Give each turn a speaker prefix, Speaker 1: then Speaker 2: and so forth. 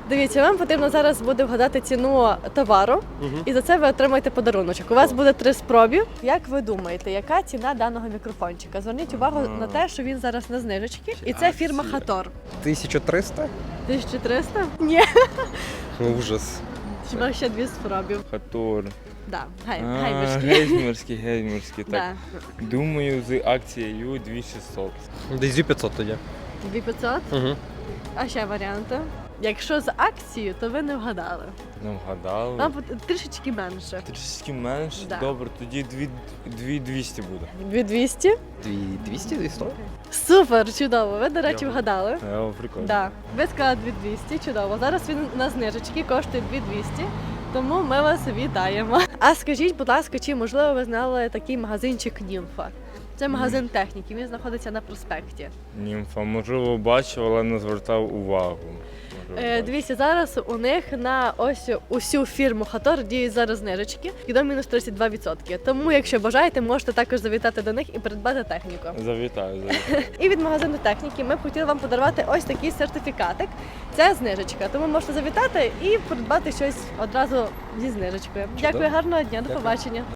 Speaker 1: Дивіться, вам потрібно зараз буде вгадати ціну товару, і за це ви отримаєте подаруночок. У вас буде 3 спроби. Як ви думаєте, яка ціна даного мікрофончика? Зверніть увагу на те, що він зараз на знижечці, і це фірма Хатор.
Speaker 2: 1300?
Speaker 1: 1300? Ні.
Speaker 2: Ужас.
Speaker 1: Хіба ще 2 спроби.
Speaker 3: Хатор.
Speaker 1: Да, геймерський.
Speaker 3: Геймерський, так.
Speaker 1: Да.
Speaker 3: Думаю, з акцією 2600.
Speaker 2: Десь 2500 тоді.
Speaker 1: 2500?
Speaker 2: Угу.
Speaker 1: А ще варіанти? Якщо з акцією, то ви не вгадали.
Speaker 3: Не вгадали.
Speaker 1: Вам трішечки менше.
Speaker 3: Трішки менше?
Speaker 1: Да.
Speaker 3: Добре, тоді 2200 буде.
Speaker 1: 2200?
Speaker 2: 200, 200?
Speaker 1: Супер, чудово. Ви, до речі, вгадали.
Speaker 3: Прикольно.
Speaker 1: Да. Ви сказали 2200, чудово. Зараз він на знижечці коштує 2200, тому ми вас вітаємо. А скажіть, будь ласка, чи можливо ви знали такий магазинчик Німфа? Це магазин техніки, він знаходиться на проспекті.
Speaker 3: Німфа, можливо, бачив, але не звертав увагу.
Speaker 1: Дивіться, зараз у них на ось усю фірму Хатор діють зараз знижечки і до мінус 32%. Тому, якщо бажаєте, можете також завітати до них і придбати техніку.
Speaker 3: Завітаю.
Speaker 1: І від магазину техніки ми б хотіли вам подарувати ось такий сертифікатик. Це знижечка, тому можете завітати і придбати щось одразу зі знижечкою. Дякую, гарного дня, до побачення.